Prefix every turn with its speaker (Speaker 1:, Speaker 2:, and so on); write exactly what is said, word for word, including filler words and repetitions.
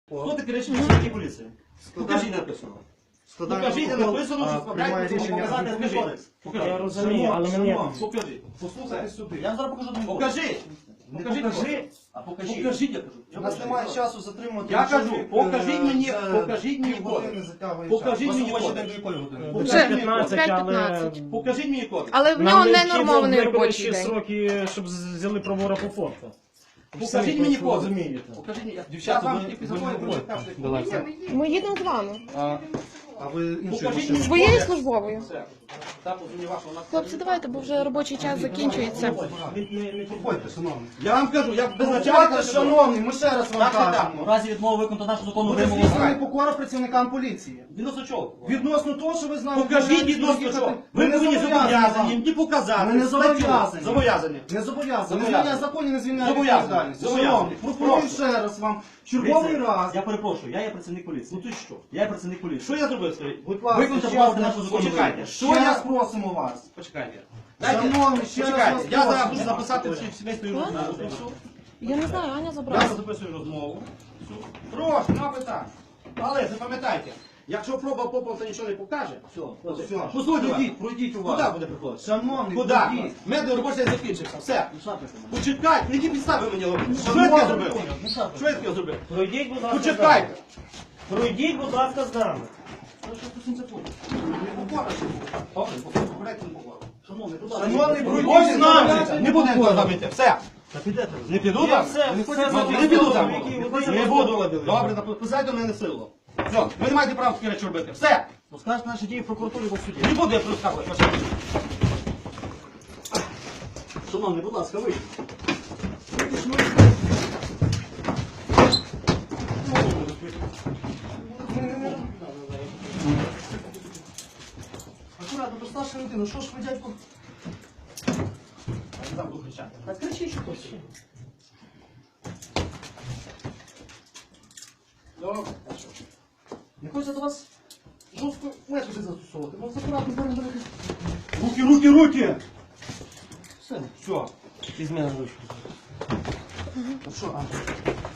Speaker 1: Хто таке речення працівників поліції? Покажіть написано. Покажіть, де написано, що справляєте показати адмінкодекс.
Speaker 2: Я розумію, але мені...
Speaker 1: Покажіть.
Speaker 3: Послухайте сюди.
Speaker 1: Я вам зараз покажу адмінкодекс. Покажіть. Покажіть, покажи.
Speaker 3: А покажіть.
Speaker 1: Покажіть, я кажу.
Speaker 3: У нас немає часу затримувати.
Speaker 1: Я кажу, покажіть мені, покажіть мені кодекс. Покажіть мені кодекс.
Speaker 2: Вже п'ятнадцять, але...
Speaker 1: Покажіть мені кодекс.
Speaker 4: Але в нього не нормований робочий день.
Speaker 2: сроки, щоб взяли правора по форту.
Speaker 1: Покажіть мені кодекс.
Speaker 2: Розумієте.
Speaker 1: Покажіть мені.
Speaker 3: Дівчата,
Speaker 1: Я
Speaker 3: ви
Speaker 1: вам
Speaker 3: не
Speaker 1: тільки закони
Speaker 3: Давайте.
Speaker 4: Ми їдемо з вами.
Speaker 3: А ви іншою
Speaker 1: Покажіть
Speaker 3: машиною?
Speaker 1: мені
Speaker 4: Своєю
Speaker 1: кодекс.
Speaker 4: службовою.
Speaker 1: Все. Там не ваша, вона...
Speaker 4: Хлопці, давайте, бо вже робочий час закінчується.
Speaker 3: Проходьте, шановні.
Speaker 1: Я вам кажу, я без начальника...
Speaker 3: Проходьте, шановні, ми ще раз вам
Speaker 1: Так, так,
Speaker 3: кажемо.
Speaker 1: в разі відмови виконати нашу законну
Speaker 3: Буде
Speaker 1: вимогу.
Speaker 3: здійснена непокора працівникам поліції.
Speaker 1: Відносно чого?
Speaker 3: Відносно того, що ви з нами...
Speaker 1: Покажіть
Speaker 3: бажаєте
Speaker 1: відносно
Speaker 3: їхати.
Speaker 1: чого.
Speaker 3: Ми
Speaker 1: Ви
Speaker 3: не
Speaker 1: повинні зобов'язані
Speaker 3: вам.
Speaker 1: мені показати.
Speaker 3: Ми не
Speaker 1: статтю.
Speaker 3: зобов'язані.
Speaker 1: Зобов'язані.
Speaker 3: Не зобов'язані. Не
Speaker 1: Зобов'язані.
Speaker 3: звільняє законі, не звільняє
Speaker 1: Зобов'язані.
Speaker 3: відповідальності.
Speaker 1: Зобов'язані.
Speaker 3: Шановні, пропоную
Speaker 1: Прошу.
Speaker 3: ще раз вам черговий раз.
Speaker 1: Я перепрошую, я є працівник поліції. Ну ти що? Я є працівник поліції. Що я зробив? Скажіть?
Speaker 3: Будь ласка,
Speaker 1: Виконайте,
Speaker 3: ще
Speaker 1: будь ласка,
Speaker 3: одне
Speaker 1: нашу законну
Speaker 3: почекайте.
Speaker 1: вимогу.
Speaker 3: Що
Speaker 1: Що
Speaker 3: я
Speaker 1: я...
Speaker 3: просимо вас?
Speaker 1: Почекайте.
Speaker 3: Шановні, ще раз
Speaker 1: Почекайте.
Speaker 3: вас
Speaker 1: Я зараз
Speaker 3: просимо.
Speaker 1: буду записати всі сімейську розмову.
Speaker 4: Я не знаю, Аня
Speaker 1: Я
Speaker 4: забрала.
Speaker 1: записую розмову. Прошу, нема питань. Але запам'ятайте, якщо проба попав, то нічого не покаже. Все,
Speaker 3: Все.
Speaker 1: послухайте,
Speaker 3: Пройдіть, пройдіть у вас.
Speaker 1: Куди буде приходити?
Speaker 3: Шановний,
Speaker 1: Куди?
Speaker 3: пройдіть.
Speaker 1: Медний робочий день закінчився. Все. Почекайте, які підстави мені робити? Що я таке зробив? Що я таке зробив?
Speaker 2: Пройдіть, будь ласка, з нами.
Speaker 1: Почекайте.
Speaker 2: Пройдіть, будь ласка, з нами.
Speaker 3: Шановний, пройдіть
Speaker 1: Ось
Speaker 3: з
Speaker 1: нам!
Speaker 3: нами.
Speaker 1: Не буду ніколи там йти. Все. Не піду
Speaker 2: Я
Speaker 1: там?
Speaker 2: все,
Speaker 1: Не
Speaker 2: все
Speaker 1: піду?
Speaker 2: зробив.
Speaker 1: Не піду там.
Speaker 2: Які ви
Speaker 1: Не
Speaker 2: хочете
Speaker 1: буду.
Speaker 2: зробити?
Speaker 1: Добре, написайте до мене силу. Все, ви не маєте права такі речі робити. Все.
Speaker 2: Скажете наші дії в прокуратурі або в суді.
Speaker 1: Не буду я розказувати ваші речі. Шановні, будь ласка, ви.
Speaker 3: Акуратно, то старша людина, що ж ви, дядько?
Speaker 1: Я там буду кричати.
Speaker 3: Так кричіть, що хочете.
Speaker 1: Добре.
Speaker 3: Не хочеться до вас жорстко методи застосовувати. Може, акуратно, беремо беремо.
Speaker 1: Руки, руки, руки!
Speaker 3: Все.
Speaker 1: Все.
Speaker 2: Візьми на ручку.
Speaker 3: Ну що, Андрій?